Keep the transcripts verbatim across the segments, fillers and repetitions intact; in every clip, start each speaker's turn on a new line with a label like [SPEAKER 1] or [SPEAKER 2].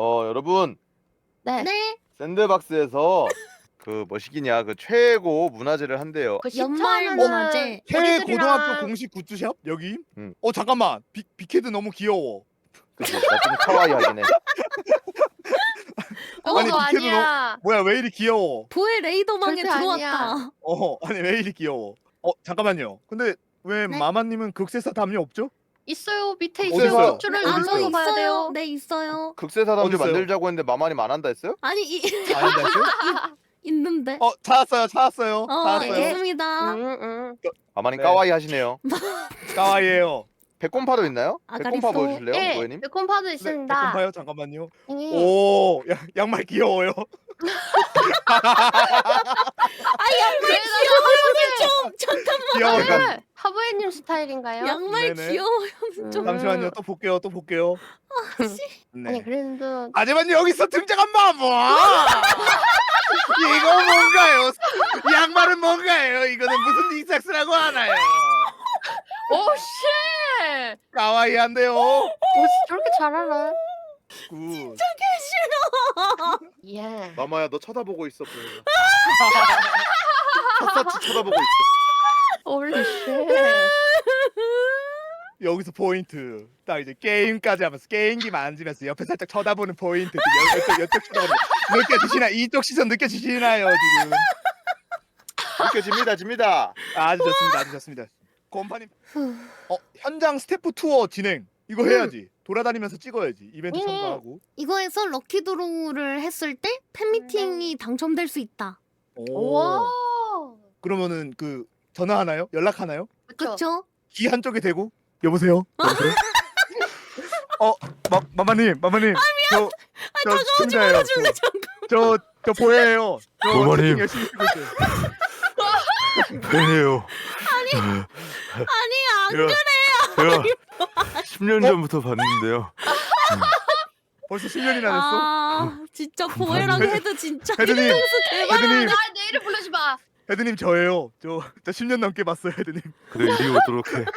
[SPEAKER 1] 어 여러분
[SPEAKER 2] 네.
[SPEAKER 3] 네.
[SPEAKER 1] 샌드박스에서 그 뭐시기냐 그 최고 문화제를 한대요.
[SPEAKER 2] 그
[SPEAKER 3] 연말
[SPEAKER 2] 십차는
[SPEAKER 3] 문화제.
[SPEAKER 4] 최고등학교 공식 굿즈샵 여기.
[SPEAKER 1] 음.
[SPEAKER 4] 어 잠깐만 비, 빅헤드 너무 귀여워.
[SPEAKER 1] 그치? 나좀 카와이 하긴 해.
[SPEAKER 2] 그거
[SPEAKER 4] 아니, 빅헤드
[SPEAKER 2] 아니야.
[SPEAKER 4] 뭐야 왜 이리 귀여워?
[SPEAKER 3] 보의 레이더망에
[SPEAKER 2] 절대
[SPEAKER 3] 들어왔다.
[SPEAKER 4] 어 아니 왜 이리 귀여워? 어 잠깐만요. 근데 왜
[SPEAKER 3] 네?
[SPEAKER 4] 마마님은 극세사 담요 없죠?
[SPEAKER 2] 있어요. 밑에
[SPEAKER 4] 어디
[SPEAKER 2] 있어요.
[SPEAKER 4] 있어요?
[SPEAKER 2] 줄을
[SPEAKER 4] 어디
[SPEAKER 3] 아, 저
[SPEAKER 4] 있어요?
[SPEAKER 2] 눌러서 봐야
[SPEAKER 3] 있어요.
[SPEAKER 2] 돼요.
[SPEAKER 3] 네, 있어요.
[SPEAKER 1] 극세사담도
[SPEAKER 4] 어디 있어요?
[SPEAKER 1] 만들자고 했는데 마마님 안 한다 했어요?
[SPEAKER 3] 아니, 이,
[SPEAKER 4] 아 알겠어요?
[SPEAKER 3] 있는데.
[SPEAKER 4] 어 찾았어요 찾았어요
[SPEAKER 3] 어,
[SPEAKER 4] 찾았어요.
[SPEAKER 2] 네.
[SPEAKER 3] 있습니다.
[SPEAKER 2] 응, 응.
[SPEAKER 1] 마마님
[SPEAKER 4] 네.
[SPEAKER 1] 까와이 하시네요.
[SPEAKER 4] 까와이에요.
[SPEAKER 1] 백곰파도 있나요?
[SPEAKER 3] 아,
[SPEAKER 1] 백곰파
[SPEAKER 3] 가리소.
[SPEAKER 1] 보여주실래요,
[SPEAKER 2] 예,
[SPEAKER 1] 고객님?
[SPEAKER 2] 매콤파도
[SPEAKER 4] 네,
[SPEAKER 2] 있습니다.
[SPEAKER 4] 잠깐만요 잠깐만요.
[SPEAKER 2] 예.
[SPEAKER 4] 오 야, 양말 귀여워요.
[SPEAKER 3] 좀, 잠깐만.
[SPEAKER 4] 귀여워요.
[SPEAKER 2] 하부에, 하부에님 스타일인가요?
[SPEAKER 3] 양말
[SPEAKER 4] 네네.
[SPEAKER 3] 귀여워요. 좀.
[SPEAKER 4] 잠시만요 또 볼게요 또 볼게요. 네.
[SPEAKER 2] 아니 그래도
[SPEAKER 4] 하지만 여기서 등장한 마모 이거 뭔가요? 이 양말은 뭔가요? 이거는 무슨 닉삭스라고 하나요?
[SPEAKER 2] 오 쉣!
[SPEAKER 4] 까와이한데요.
[SPEAKER 2] 오 저렇게 잘 알아?
[SPEAKER 4] 굿.
[SPEAKER 2] 예.
[SPEAKER 1] 마마야 너 쳐다보고 있어 보여. 샅샅이 쳐다보고 있어.
[SPEAKER 2] 홀리 쉣.
[SPEAKER 4] 여기서 포인트 딱 이제 게임까지 하면서 게임기 만지면서 옆에 살짝 쳐다보는 포인트 그 여- 여쪽 여쪽 쳐다보는 느껴지시나 이쪽 시선 느껴지시나요 지금?
[SPEAKER 1] 느껴집니다, 집니다.
[SPEAKER 4] 아주 좋습니다 아주 좋습니다. 곰파님 어 현장 스태프 투어 진행 이거 해야지. 돌아다니면서 찍어야지 이벤트
[SPEAKER 2] 음.
[SPEAKER 4] 참가하고.
[SPEAKER 3] 이거에서 럭키 드로우를 했을 때 팬미팅이 당첨될 수 있다.
[SPEAKER 4] 오.
[SPEAKER 2] 와.
[SPEAKER 4] 그러면은 그 전화하나요? 연락하나요?
[SPEAKER 2] 그쵸?
[SPEAKER 3] 그쵸?
[SPEAKER 4] 귀 한쪽에 대고 여보세요? 여보세요? 어, 마, 마마님, 마마님. 저, 저 시청자예요.
[SPEAKER 3] 줄래 잠깐.
[SPEAKER 4] 저, 저 보여요. 저
[SPEAKER 5] 마마님.
[SPEAKER 4] 채팅 열심히 쓰고 있어요.
[SPEAKER 5] 팬이에요.
[SPEAKER 3] 아니, 안
[SPEAKER 5] 제가, 제가 십 년 전부터 봤는데요.
[SPEAKER 4] 벌써 십 년이나 됐어?
[SPEAKER 3] 아, 진짜 보혜랑
[SPEAKER 4] 헤드-
[SPEAKER 3] 헤드 진짜
[SPEAKER 4] 헤드님,
[SPEAKER 3] 뒤통수 대박.
[SPEAKER 4] 헤드님,
[SPEAKER 2] 아, 내 이름 부르지 마.
[SPEAKER 4] 헤드님 저예요. 저, 저 십 년 넘게 봤어요, 헤드님.
[SPEAKER 5] 그래 이리 오도록 해.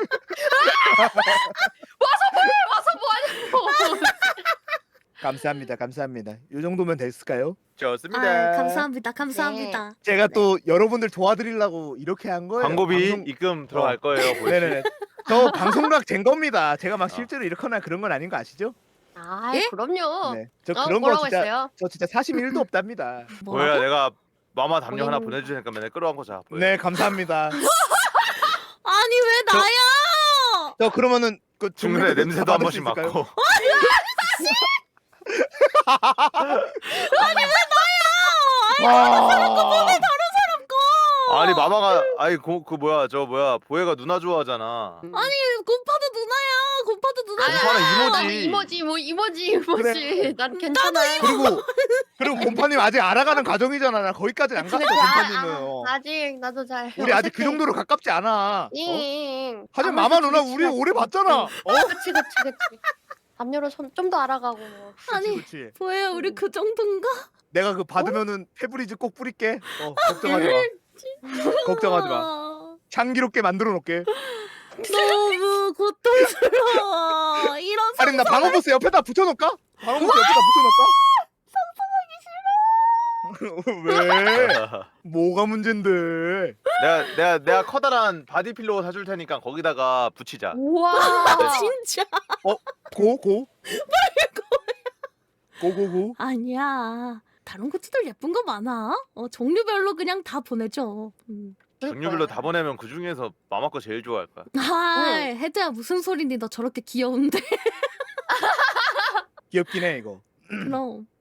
[SPEAKER 2] 와서 뭐 하냐고.
[SPEAKER 4] 감사합니다, 감사합니다. 이 정도면 됐을까요?
[SPEAKER 1] 좋습니다.
[SPEAKER 3] 아, 감사합니다. 감사합니다.
[SPEAKER 4] 제가 또 여러분들 도와드리려고 이렇게 한 거예요.
[SPEAKER 1] 광고비
[SPEAKER 4] 방송-
[SPEAKER 1] 입금 들어갈 거예요. 보이시-
[SPEAKER 4] 네네네. 저 방송각 된 겁니다. 제가 막
[SPEAKER 1] 어.
[SPEAKER 4] 실제로 이렇거나 그런 건 아닌 거 아시죠?
[SPEAKER 2] 아,
[SPEAKER 3] 예?
[SPEAKER 2] 그럼요.
[SPEAKER 4] 네. 저
[SPEAKER 2] 어,
[SPEAKER 4] 그런 거
[SPEAKER 2] 뭐라고
[SPEAKER 4] 진짜
[SPEAKER 2] 했어요?
[SPEAKER 4] 저 진짜 사심일도 없답니다.
[SPEAKER 1] 보여야 내가 마마 담요 하나
[SPEAKER 2] 고객님.
[SPEAKER 1] 보내주니까 맨날 끌어안고 자. 보여.
[SPEAKER 4] 네, 감사합니다.
[SPEAKER 3] 아니, 왜
[SPEAKER 4] 저-
[SPEAKER 3] 나야?
[SPEAKER 4] 저 그러면은 그
[SPEAKER 1] 중간에
[SPEAKER 4] 중간에
[SPEAKER 1] 냄새도 한 번씩
[SPEAKER 4] 받을 수 있을까요?
[SPEAKER 1] 맡고.
[SPEAKER 4] 와.
[SPEAKER 1] 아니 마마가 아니 고, 그 뭐야 저 뭐야 보혜가 누나 좋아하잖아.
[SPEAKER 2] 음.
[SPEAKER 3] 아니, 곰파도 누나야. 곰파도 누나야.
[SPEAKER 1] 곰파는
[SPEAKER 2] 나는
[SPEAKER 1] 이모지.
[SPEAKER 2] 이모지, 뭐 이모지, 이모지.
[SPEAKER 4] 그래.
[SPEAKER 2] 난 괜찮아.
[SPEAKER 4] 그리고 그리고 곰파님 아직 알아가는 과정이잖아. 나 거기까지 안 갔어,
[SPEAKER 2] 그치,
[SPEAKER 4] 곰파님은.
[SPEAKER 2] 아,
[SPEAKER 4] 어.
[SPEAKER 2] 아, 아직 나도 잘.
[SPEAKER 4] 우리 아직 그 정도로 가깝지 않아. 어?
[SPEAKER 2] 잉.
[SPEAKER 4] 하지만 마마 누나 우리 오래 봤잖아. 어?
[SPEAKER 2] 그치, 그치, 그치. 담요로 좀 더 알아가고. 뭐.
[SPEAKER 3] 아니,
[SPEAKER 4] 그렇지, 그렇지.
[SPEAKER 3] 보혜야, 우리
[SPEAKER 2] 음.
[SPEAKER 3] 그 정도인가?
[SPEAKER 4] 내가 그 받으면은 페브리즈 꼭 뿌릴게. 어, 걱정하지 마. 걱정하지 마.
[SPEAKER 3] 마.
[SPEAKER 4] 향기롭게 만들어 놓을게.
[SPEAKER 3] 너무 고통스러워. 이런
[SPEAKER 4] 아니 나 방어보스 옆에다 붙여놓을까? 방어보스 옆에다 붙여놓을까? 왜? 뭐가 문제인데?
[SPEAKER 1] 내가 내가 내가 커다란 바디 필로우 사줄 테니까 거기다가 붙이자.
[SPEAKER 2] 우와.
[SPEAKER 3] 진짜
[SPEAKER 4] 고 고. 고고고.
[SPEAKER 3] 아니야. 다른 굿즈들 예쁜 거 많아. 어, 종류별로 그냥 다 보내줘. 음.
[SPEAKER 1] 종류별로 다 보내면 그 중에서 마마 거 제일 좋아할 거야.
[SPEAKER 3] 아, 헤드야 무슨 소리니? 너 저렇게 귀여운데.
[SPEAKER 4] 귀엽긴 해 이거.
[SPEAKER 3] 그럼